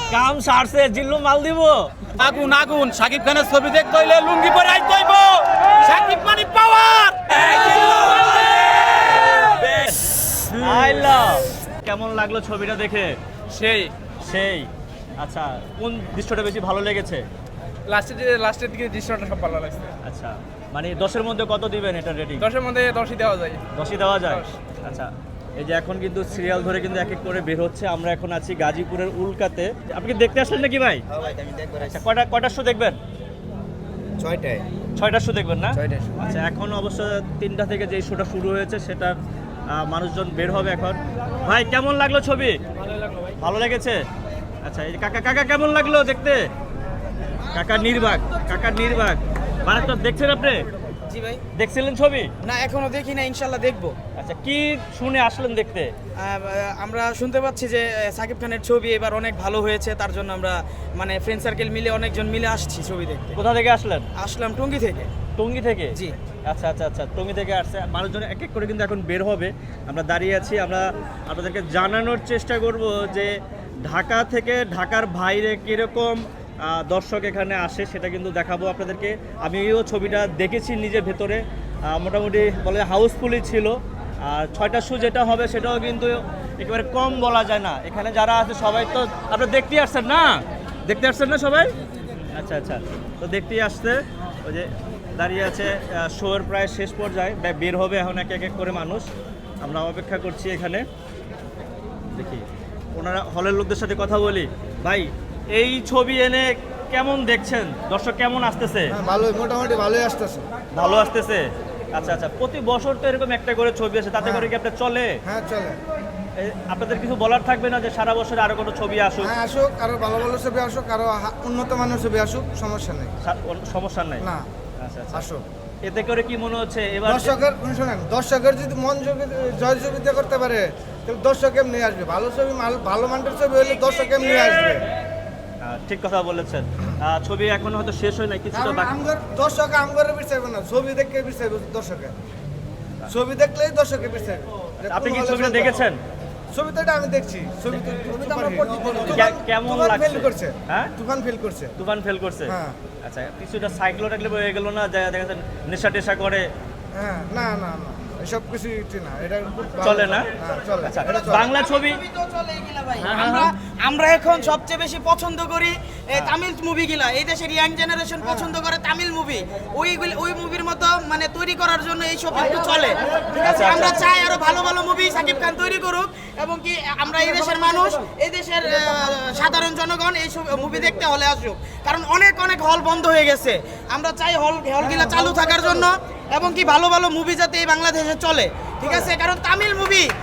কাম সারছে জিল্লু মাল দিব। আগুন আগুন শাকিব খানের ছবি দেখতে হইলে লুঙ্গি পরে আইতে হইব। শাকিব মানে পাওয়ার। কেমন লাগলো ছবিটা দেখে? সেই সেই আচ্ছা, কোন দৃশ্যটা বেশি ভালো লেগেছে? লাস্টের দিকে দৃশ্যটা সব ভালো লাগছে। আচ্ছা, মানে 10-এর মধ্যে কত দিবেন এটা রেটিং? 10-এর মধ্যে 10ই দেওয়া যায়। 10ই দেওয়া যায়। 10। আচ্ছা, এই যে এখন কিন্তু সিরিয়াল ধরে কিন্তু এক এক করে বের হচ্ছে। আমরা এখন আছি গাজীপুরের উল্কাতে। আপনি কি দেখতে আসলেন নাকি ভাই? আচ্ছা, কয়টার শো দেখবেন? 6টার শো দেখবেন না? আচ্ছা, এখন অবশ্য 3টা থেকে যে শোটা শুরু হয়েছে সেটার মানুষজন বের হবে এখন। ভাই কেমন লাগলো ছবি? ভালো লেগেছে। আচ্ছা, এই কাকা কেমন লাগলো দেখতে? কাকা নির্বাক মারাত্মক। দেখছেন আপনি? জি ভাই। দেখছিলেন ছবি? না, এখনো দেখি না, ইনশাল্লাহ দেখবো। আচ্ছা, কি শুনে আসলেন দেখতে? আমরা শুনতে পাচ্ছি যে সাকিব খানের ছবি এবার অনেক ভালো হয়েছে, তার জন্য আমরা মানে ফ্রেন্ড সার্কেল মিলে অনেকজন মিলে আসছি ছবি দেখতে। কোথা থেকে আসলেন? আসলাম টঙ্গী থেকে। টঙ্গী থেকে? জি। আচ্ছা, টঙ্গী থেকে আসছে মানুষজন এক এক করে কিন্তু এখন বের হবে। আমরা দাঁড়িয়ে আছি, আমরা আপনাদেরকে জানানোর চেষ্টা করব যে ঢাকা থেকে ঢাকার বাইরে কীরকম দর্শক এখানে আসে সেটা কিন্তু দেখাবো আপনাদেরকে। আমিও ছবিটা দেখেছি নিজে ভেতরে, মোটামুটি বলে হাউসফুলই ছিল। আর 6টার শো যেটা হবে সেটাও কিন্তু একেবারে কম বলা যায় না। এখানে যারা আছে সবাই তো আপনারা দেখতেই আসছেন না সবাই? আচ্ছা, তো দেখতেই আসছে। ওই যে দাঁড়িয়ে আছে, শোয়ের প্রায় শেষ পর্যায়ে, বের হবে এখন এক এক করে মানুষ। আমরা অপেক্ষা করছি এখানে, দেখি ওনারা হলের লোকদের সাথে কথা বলি। ভাই, এই ছবি এনে কেমন দেখছেন? দর্শক কেমন আসতেছে? ভালোই, মোটামুটি ভালোই আসতেছে। ভালো আসতেছে। আচ্ছা, প্রতি বছর তো এরকম একটা করে ছবি আসে, তাতে করে কি আপনার চলে? হ্যাঁ, চলে। আপনাদের কিছু বলার থাকবে না যে সারা বছর আরো কোনো ছবি আসুক? হ্যাঁ, আসুক, আরো ভালো ভালো ছবি আসুক, আরো উন্নত মানের ছবি আসুক, সমস্যা নেই। সমস্যা নাই না, আচ্ছা, আসুক। এতে করে কি মনে হচ্ছে এবার দর্শকের যদি মন জয় জয়িতা করতে পারে তাহলে দর্শক এমনি আসবে। ভালো ছবি, ভালো মানের ছবি হলে দর্শক এমনি আসবে। ঠিক কথা বলেছেন। ছবি এখন হয়তো শেষ হয় নাই, কিছুটা বাকি। দর্শক আমগরে বিচারবে না, ছবি দেখে বিচারবে দর্শকে। ছবি দেখলেই দর্শকে বিচারবে। আপনি কি ছবিটা দেখেছেন? ছবি তো এটা আমি দেখছি। ছবি তো কেমন লাগছে? হ্যাঁ, তুফান ফেল করছে। হ্যাঁ। আচ্ছা, কিছুটা সাইক্লো টাইক্লো হয়ে গেল না, দেখা যাচ্ছে নেশা টেশা করে? হ্যাঁ, না, এসব কিছু না, এটা চলে না। চলে। আচ্ছা, বাংলা ছবি আমরা এখন সবচেয়ে বেশি পছন্দ করি তামিল মুভিগুলা। এই দেশের ইয়াং জেনারেশন পছন্দ করে তামিল মুভি। ওই মুভির মতো মানে তৈরি করার জন্য এই সব একটু চলে, ঠিক আছে? আমরা চাই আরো ভালো ভালো মুভি সাকিব খান তৈরি করুক, এবং কি আমরা এই দেশের মানুষ, এই দেশের সাধারণ জনগণ এই সব মুভি দেখতে হলে আসুক, কারণ অনেক হল বন্ধ হয়ে গেছে। আমরা চাই হলগুলা চালু থাকার জন্য, এবং কি ভালো ভালো মুভি যাতে এই বাংলাদেশে চলে, ঠিক আছে? কারণ তামিল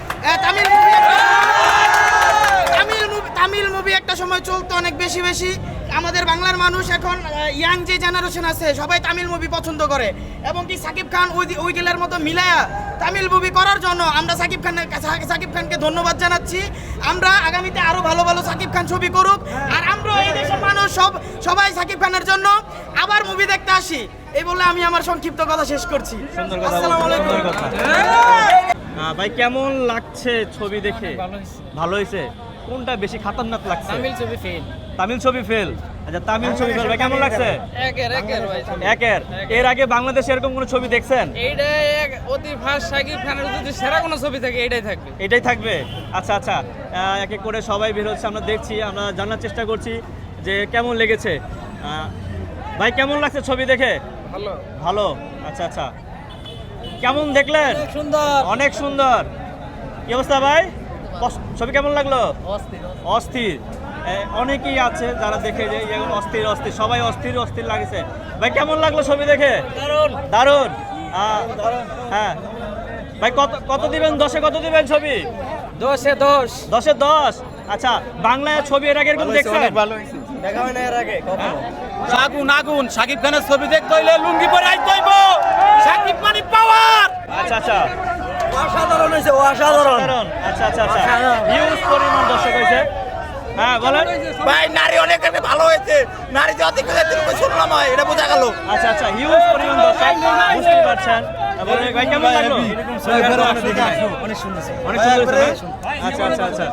মুভি একটা সময় চলতো অনেক বেশি। আমাদের বাংলার মানুষ এখন ইয়াং যে জেনারেশন আছে সবাই তামিল মুভি পছন্দ করে, এবং কি সাকিব খান ওইগুলোর মতো মিলায়া তামিল মুভি করার জন্য আমরা সাকিব খানকে ধন্যবাদ জানাচ্ছি। আমরা আগামীতে আরো ভালো ভালো সাকিব খান ছবি করুক, আর আমরা এই দেশের মানুষ সবাই সাকিব খানের জন্য আবার মুভি দেখতে আসি। এই বলে আমি আমার সংক্ষিপ্ত কথা শেষ করছি। আসসালামু আলাইকুম। ভাই, কেমন লাগছে ছবি দেখে? ভালো হয়েছে। কোনটা বেশি খাতারনাক লাগছে? তামিল ছবি ফেল। আচ্ছা, তামিল ছবি ফেল। ভাই, কেমন লাগছে? একের। এর আগে বাংলাদেশে এরকম কোনো ছবি দেখছেন? অতি ফার্স্ট শাকিব খানের যদি সেরা কোনো ছবি থাকে এটাই থাকবে। আচ্ছা, এক এক করে সবাই বের হচ্ছে, আমরা দেখছি, আমরা জানার চেষ্টা করছি যে কেমন লেগেছে। ভাই, কেমন লাগছে ছবি দেখে? ভালো। আচ্ছা, কেমন দেখলেন? অনেক সুন্দর। কি অবস্থা ভাই, ছবি কেমন লাগলো? অস্থির। অনেকেই আছে যারা দেখে যে অস্থির সবাই অস্থির লাগছে। ভাই, কেমন লাগলো ছবি দেখে? দারুণ। হ্যাঁ ভাই, কত দিবেন? 10-এ কত দিবেন ছবি? 10-এ 10। 10-এ 10। আচ্ছা, বাংলায় ছবি এর আগে এরকম দেখছেন? দেখা হয় না এর আগে কখনো। আগুন শাকিব খানের ছবি দেখতে হইলে লুঙ্গি পরে আইতে হইব। শাকিব মানে পাওয়ার। আচ্ছা, অসাধারণ হয়েছে, অসাধারণ। আচ্ছা, হিউজ পরিমাণ দর্শক হয়েছে। হ্যাঁ, বলেন ভাই। নারী অনেক ভালো হয়েছে, নারী যে অধিক শুনলাম হয়, এটা বোঝা গেল। আচ্ছা, হিউজ পরিমাণ দর্শক, বুঝতে পারছেন। ভাই, কেমন লাগলো? অনেক সুন্দর। আচ্ছা,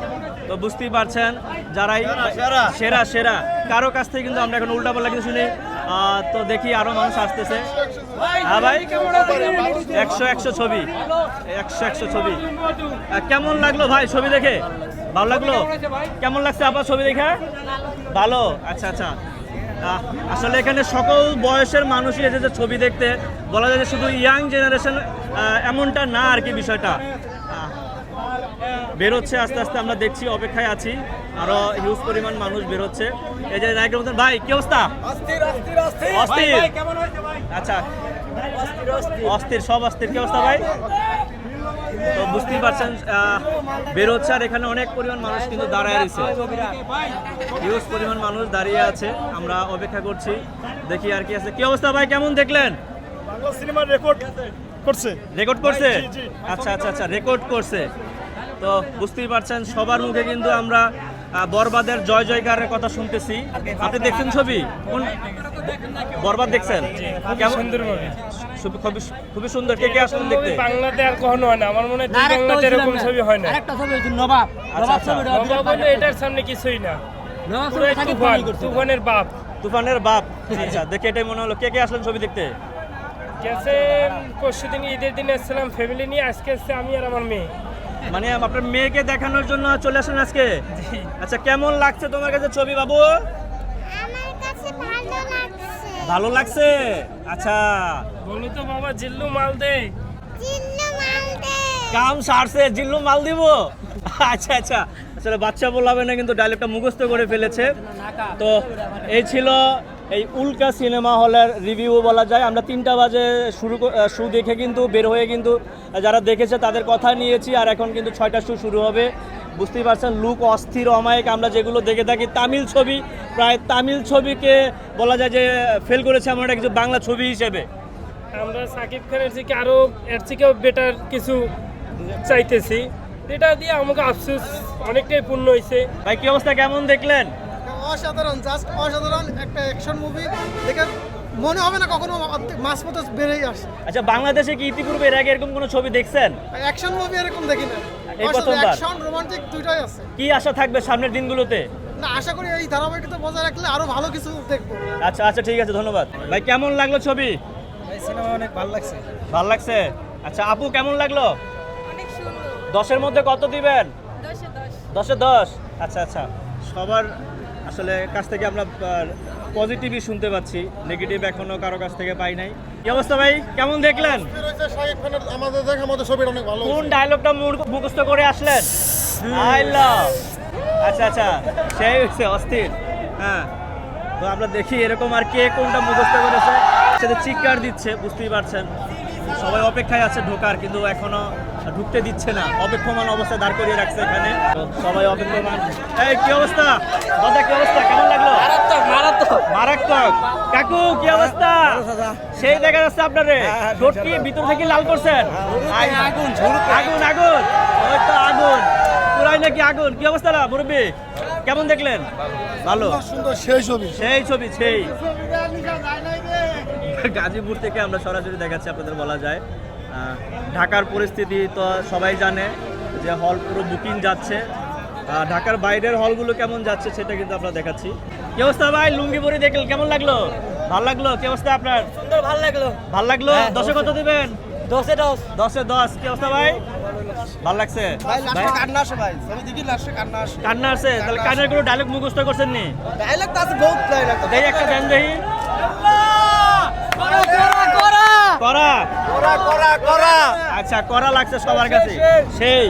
তো বুঝতেই পারছেন যারাই সেরা সেরা কারো কাছ থেকে কিন্তু আমরা এখন উল্টাপাল্টা কিছু শুনি। তো দেখি আরো মানুষ আসতেছে। হ্যাঁ ভাই 100 ছবি 100 ছবি। কেমন লাগলো ভাই ছবি দেখে? ভালো লাগলো? কেমন লাগছে আপনার ছবি দেখে? ভালো, আচ্ছা আচ্ছা। আসলে এখানে সকল বয়সের মানুষই এসেছে ছবি দেখতে, বলা যায় যে শুধু ইয়াং জেনারেশন এমনটা না আর কি বিষয়টা। বেরোচ্ছে আস্তে আস্তে, আমরা দেখছি, অপেক্ষায় আছি, আরো হিউজ পরিমাণ মানুষ বেরোচ্ছে। এই যে নায়কের মতন ভাই কি অবস্থা? অস্থির। আচ্ছা অস্থির, সব অস্থির। কি অবস্থা ভাই? তো বুঝতেই পারছেন বেরোচ্ছে, আর এখানে অনেক পরিমাণ মানুষ কিন্তু দাঁড়ায় রয়েছে, হিউজ পরিমাণ মানুষ দাঁড়িয়ে আছে। আমরা অপেক্ষা করছি, দেখি আর কি আছে। কি অবস্থা ভাই, কেমন দেখলেন? সিনেমা রেকর্ড করছে। রেকর্ড করছে? আচ্ছা আচ্ছা আচ্ছা, রেকর্ড করছে। তো বুঝতেই পারছেন সবার মুখে কিন্তু আমরা বরবাদের জয় জয়কারের কথা শুনতেছি। আপনি দেখছেন ছবি? কোন বরবাদ দেখছেন? কেমন? সুন্দর মুভি, খুবই সুন্দর। কে কে আসলেন দেখতে? বাংলাতে আর কখনো হয় না, আমার মনে হয় দুই বাংলাতে এরকম ছবি হয় না। আরেকটা ছবি হচ্ছে নবাব। আচ্ছা আচ্ছা, নবাব হলো এটার সামনে কিছুই না, পুরাই তুফান, তুফানের বাপ। তুফানের বাপ। আচ্ছা, দেখে এটাই মনে হলো। কে কে আসলেন ছবি দেখতে? গেছে পরশুদিন ঈদের দিন এসেছিলাম ফ্যামিলি নিয়ে, আজকে এসছে আমি আর আমার মেয়ে। মানে আপনার মেয়েকে দেখানোর জন্য চলে আসলেন আজকে? আচ্ছা, কেমন লাগছে তোমার কাছে ছবি বাবু? আমার কাছে ভালো লাগছে। ভালো লাগছে? আচ্ছা, বলো তো বাবা, জিল্লু মাল দে। চিন্নু মাল দে। কাম সারছে, জিল্লু মাল দিব। আচ্ছা আচ্ছা, আসলে বাচ্চা বলাবে না, কিন্তু ডায়লগটা মুখস্থ করে ফেলেছে। তো এই ছিল এই উল্কা সিনেমা হলের রিভিউ বলা যায়। আমরা 3টা বাজে শো দেখে কিন্তু বের হয়ে কিন্তু যারা দেখেছে তাদের কথা নিয়েছি, আর এখন কিন্তু 6টা শো শুরু হবে। বুঝতেই পারছেন লুক অস্থির অমায়িক। আমরা যেগুলো দেখে থাকি তামিল ছবি, প্রায় তামিল ছবিকে বলা যায় যে ফেল করেছে এমন একটা কিছু বাংলা ছবি হিসেবে। আমরা সাকিব খানের থেকে আরো এর থেকেও বেটার কিছু চাইতেছি, এটা দিয়ে আমাকে আফসোস অনেকটাই পূর্ণ হয়েছে। ভাই কি অবস্থা, কেমন দেখলেন? অসাধারণ, জাস্ট অসাধারণ একটা অ্যাকশন মুভি দেখে মনে হবে না কখনো মাস মতো বেড়েই আসে। আচ্ছা, বাংলাদেশে কি ইতিপূর্বে এর আগে এরকম কোনো ছবি দেখছেন? অ্যাকশন মুভি এরকম দেখি না, এই প্রথমবার। অ্যাকশন রোমান্টিক দুইটাই আছে। কি আশা থাকবে সামনের দিনগুলোতে? না, আশা করি এই ধারাবাহিকতা বজায় রাখলে আরো ভালো কিছু দেখবো। আচ্ছা আচ্ছা, ঠিক আছে, ধন্যবাদ ভাই। কেমন লাগলো ছবি? সিনেমা অনেক ভালো লাগছে। ভালো লাগছে? আচ্ছা আপু, কেমন লাগলো? অনেক সুন্দর। 10-এর মধ্যে কত দিবেন? 10 এ 10। 10-এ 10। আচ্ছা আচ্ছা, সবার আসলে কাছ থেকে আমরা পজিটিভই শুনতে পাচ্ছি, নেগেটিভ এখনো কারো কাছ থেকে পাই নাই। কি অবস্থা ভাই, কেমন দেখলেন? আমাদের দেখার মতো ছবিটা অনেক ভালো। কোন ডায়লগটা মুখস্থ করে আসলেন? I love. আচ্ছা আচ্ছা, সেই হচ্ছে অস্থির। হ্যাঁ, তো আমরা দেখি এরকম আর কে কোনটা মুখস্থ করেছে। সেটা চিৎকার দিচ্ছে, বুঝতেই পারছেন সবাই অপেক্ষায় আছে ঢোকার, কিন্তু এখনো ঢুকতে দিচ্ছে না, অপেক্ষমান অবস্থায় দাঁড় করিয়ে রাখছে এখানে। তো সবাই অপেক্ষমান। এই কি অবস্থা দাদা, কি অবস্থা, কেমন লাগলো? মারাত্মক। কাকু কি অবস্থা? সেই দেখা যাচ্ছে আপনারে ঠোঁট কি ভিতর থেকে লাল করছেন? আগুন আগুন আগুন, ওই তো আগুন পুরাই নাকি আগুন। কি অবস্থা না মুরব্বী, কেমন দেখলেন? ভালো, সুন্দর সেই ছবি। সেই ছবি সেই। গাজীপুর থেকে আমরা সরাসরি দেখাচ্ছি আপনাদের, বলা যায় ঢাকার পরিস্থিতি তো সবাই জানে যে হল পুরো বুকিং যাচ্ছে। ঢাকার বাইরের হলগুলো কেমন যাচ্ছে সেটা কিন্তু আমরা দেখাচ্ছি। কি অবস্থা ভাই, লুঙ্গি পরে দেখলেন, কেমন লাগলো? ভালো লাগলো। কি অবস্থা আপনার? সুন্দর, ভালো লাগলো। ভালো লাগলো। 10-এ কত দিবেন? 10 এ 10। 10-এ 10। কি অবস্থা ভাই, ভালো লাগছে? ভাই লাস্টে কান্না আসে, ভাই ছবি দেখি লাস্টে কান্না আসে। কান্না আছে? তাহলে কান্নার কোনো ডায়লগ মুখস্থ করছেন নি? ডায়লগ তো আছে, বহুত ডায়লগ। দেখি একটা দেন দেখি। করা করা আচ্ছা, করা লাগছে সবার কাছে সেই।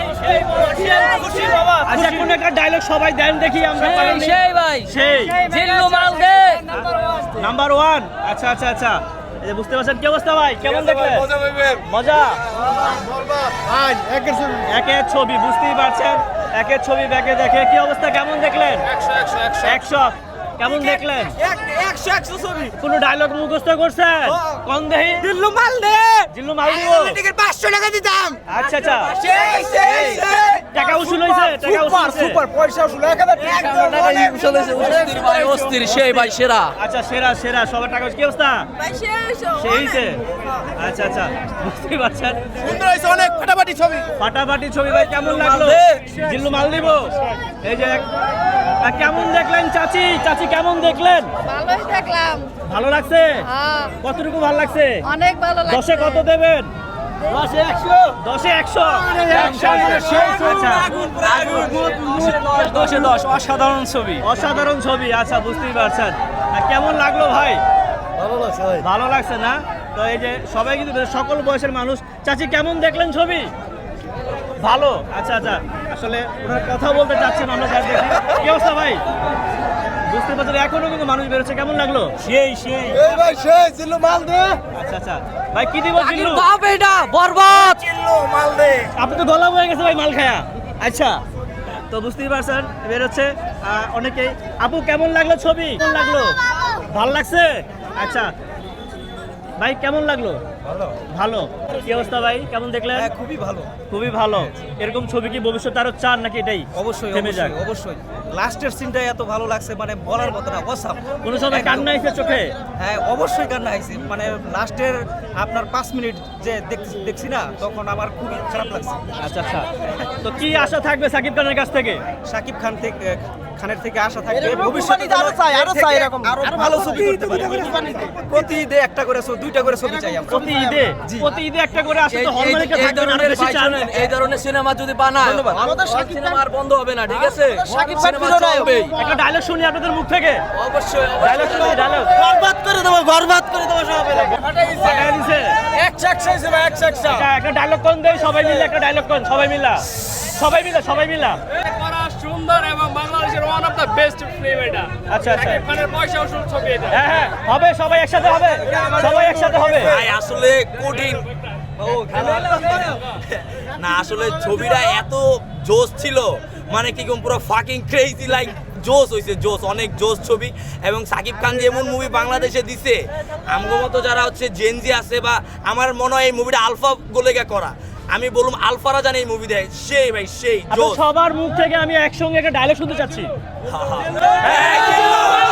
আচ্ছা, কোন একটা ডায়লগ সবাই দেন দেখি আমরা। সেই ভাই, সেই জিল্লু মাল দে। নাম্বার 1। আচ্ছা আচ্ছা আচ্ছা, এই যে বুঝতে পারছেন। কি অবস্থা ভাই, কেমন দেখলেন? মজা। একের ছবি, বুঝতেই পারছেন একের ছবি ব্যাকে দেখে। কি অবস্থা, কেমন দেখলেন? 100 কেমন দেখলেন? 100 ছবি। কোন ডায়লগ মুখস্থ করছেন? কোন দেহি? দিল্লু মাল দে। জিল্লু মাল দিব। 500 টাকা দিতাম। আচ্ছা আচ্ছা, সেই টাকা উসুল হয়েছে, টাকা উসুল হয়েছে। পয়সা উসুল 1000 ভাই অস্থির সেই ভাই সেরা আচ্ছা সেরা সেরা সবার টাকা কি অবস্থা সেইছে আচ্ছা আচ্ছা বুঝতে পারছেন সুন্দর হয়েছে অনেক ফাটাফাটি ছবি। ফাটাফাটি ছবি ভাই কেমন লাগলো জিল্লু মাল দিব এই যে কেমন দেখলেন চাচি চাচি কেমন দেখলেন ভালোই দেখলাম। ভালো লাগছে হ্যাঁ, কতটুকু ভালো লাগছে অনেক ভালো লাগছে। 10-এ কত দেবেন 10-এ 100 10-এ 100 আচ্ছা 10-এ 10 অসাধারণ ছবি। অসাধারণ ছবি আচ্ছা বুঝতেই পারছেন কেমন লাগলো ভাই ভালো লাগছে ভাই ভালো লাগছে না তো এই যে সবাই কিন্তু সকল বয়সের মানুষ চাচি কেমন দেখলেন ছবি ভালো আচ্ছা আচ্ছা আসলে ওনার কথা বলতে চাচ্ছেন আমরা যা দেখি কি অবস্থা ভাই বুঝতে পারছেন এখনো কিন্তু মানুষ বেরোচ্ছে কেমন লাগলো সেই সেই এই ভাই সেই জিল্লু মাল দে আচ্ছা আচ্ছা ভাই কি দিব জিল্লু বাপ এটা বরবাদ জিল্লু মাল দে আপনি তো গলা হয়ে গেছে ভাই মাল খায়া আচ্ছা তো বুঝতেই পারছেন বেরোচ্ছে অনেকেই আপু কেমন লাগলো ছবি কেমন লাগলো ভালো লাগছে আচ্ছা ভাই কেমন লাগলো ভালো ভালো কি অবস্থা ভাই কেমন দেখলেন খুবই ভালো। খুবই ভালো এরকম ছবি কি ভবিষ্যতে আরো চান নাকি এটাই অবশ্যই থেমে যাক অবশ্যই লাস্টের সিনটাই এত ভালো লাগছে মানে বলার মতো না অসাম। কোনো সময় কান্না এসে চোখে হ্যাঁ অবশ্যই কান্না আইছে মানে লাস্টের আপনার 5 মিনিট যে দেখছি না তখন আমার খুবই খারাপ লাগছে। আচ্ছা আচ্ছা তো কি আশা থাকবে সাকিব খানের কাছ থেকে শাকিব খানের থেকে আশা থাকবে ভবিষ্যতে আরো চাই এরকম আরো ভালো ছবি করতে পারে। প্রতি ঈদে একটা করে দুইটা করে ছবি চাই আমরা। প্রতি ঈদে একটা করে আসলে তো হল মালিকরা থাকবে না, আরো বেশি চান। এই ধরনের সিনেমা যদি বানায় আমাদের সিনেমা আর বন্ধ হবে না ঠিক আছে সিনেমা চলবেই। একটা ডায়লগ শুনি আপনাদের মুখ থেকে অবশ্যই ডায়লগ শুনি ডায়লগ বরবাদ করে দেবো সব ফাটাই দিছে একটা ডায়লগ কোন দেই সবাই মিলে একটা ডায়লগ কোন সবাই মিলা সুন্দর এবং বাংলাদেশের one of the best film এটা। আচ্ছা আচ্ছা এখানের পয়সা উসুল ছবি এটা। হ্যাঁ হ্যাঁ হবে সবাই একসাথে হবে ভাই আসলে কঠিন না আসলে ছবিটা এত জোশ ছিল মানে কি কোন পুরো ফাকিং ক্রেজি লাইক জোশ হইছে জোশ অনেক জোশ ছবি এবং সাকিব খান যেমন মুভি বাংলাদেশে দিছে আমগো মতো যারা হচ্ছে জেনজি আছে বা আমার মনে হয় এই মুভিটা আলফা গোলেগা করা আমি বললাম আলফারা জানে এই মুভি দেয় সেই ভাই সেই জোশ সবার মুখ থেকে আমি একসঙ্গে একটা ডায়লগ শুনতে চাচ্ছি হ্যাঁ